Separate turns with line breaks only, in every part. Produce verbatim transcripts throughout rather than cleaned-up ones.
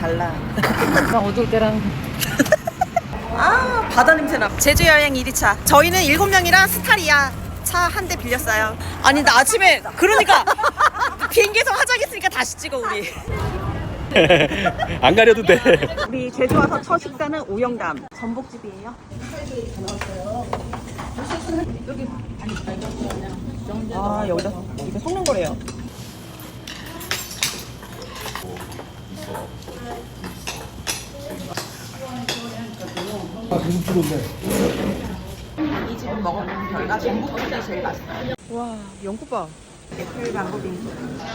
달라.
어두울 때랑.
아, 바다 냄새나. 제주 여행 일 차. 저희는 일곱 명이랑 스타리아 차 한 대 빌렸어요. 아니, 나 아침에 그러니까 비행기에서 화장했으니까 다시 찍어 우리.
안 가려도 돼.
우리 제주 와서 첫 식사는 오영담 전복집이에요. 아, 여기다 이거 섞는 거래요. 이 집은 먹어본 결과 전복집이 제일 맛있어요. 와, 연꽃밥. 애플 망고빙.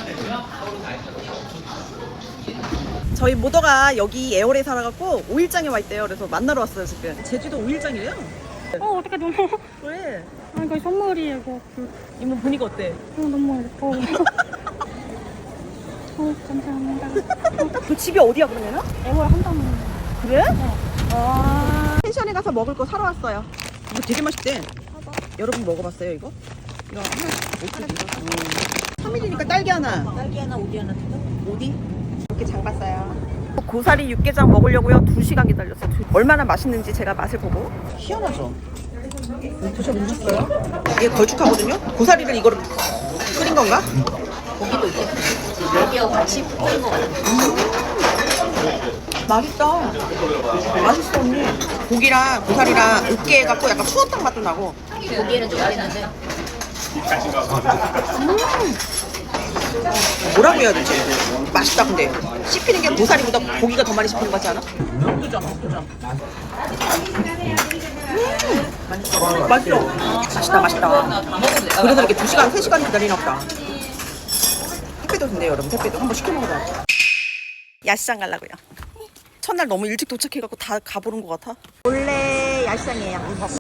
저희 모더가 여기 애월에 살아갖고 오 일장에 와 있대요. 그래서 만나러 왔어요 지금. 제주도 오 일장이래요.
어, 어떡해, 너무.
왜?
아, 이거 선물이에요, 이거.
이모 보니까 어때?
어, 너무 예뻐. 어, 감사합니다.
그 집이 어디야 그러면은?
애월 한다는.
그래?
네.
아, 펜션에 가서 먹을 거 사러 왔어요. 이거 되게 맛있대. 여러분 먹어봤어요 이거? 이거 하나 오디. 삼 일이니까 딸기 하나. 딸기 하나, 오디 하나 주다. 오디? 이렇게 장 봤어요. 고사리 육개장 먹으려고요. 두 시간 기다렸어요. 얼마나 맛있는지 제가 맛을 보고. 희한하죠? 드셔보셨어요? 이게 걸쭉하거든요? 고사리를 이거를 끓인 건가? 고기도 이게 고기하고 같이 끓인 거 같아요. 맛있다. 맛있어 언니. 고기랑 고사리랑 으깨 해갖고 약간 추어탕 맛도 나고.
고기에는 좀 맛있는데
음. 뭐라고 해야 되지? 맛있다 근데 씹히는 게 고사리보다 고기가 더 많이 씹히는 것 같지 않아? 그죠? 그죠? 음. 맛있어. 맛있다 맛있다. 그래서 이렇게 두 시간 세 시간 기다리나 보다. 택배도 된대요 여러분. 택배도 한번 시켜 먹어봐요. 야시장 가려고요. 첫날 너무 일찍 도착해갖고 다 가보는 것 같아. 원래 야시장이에요.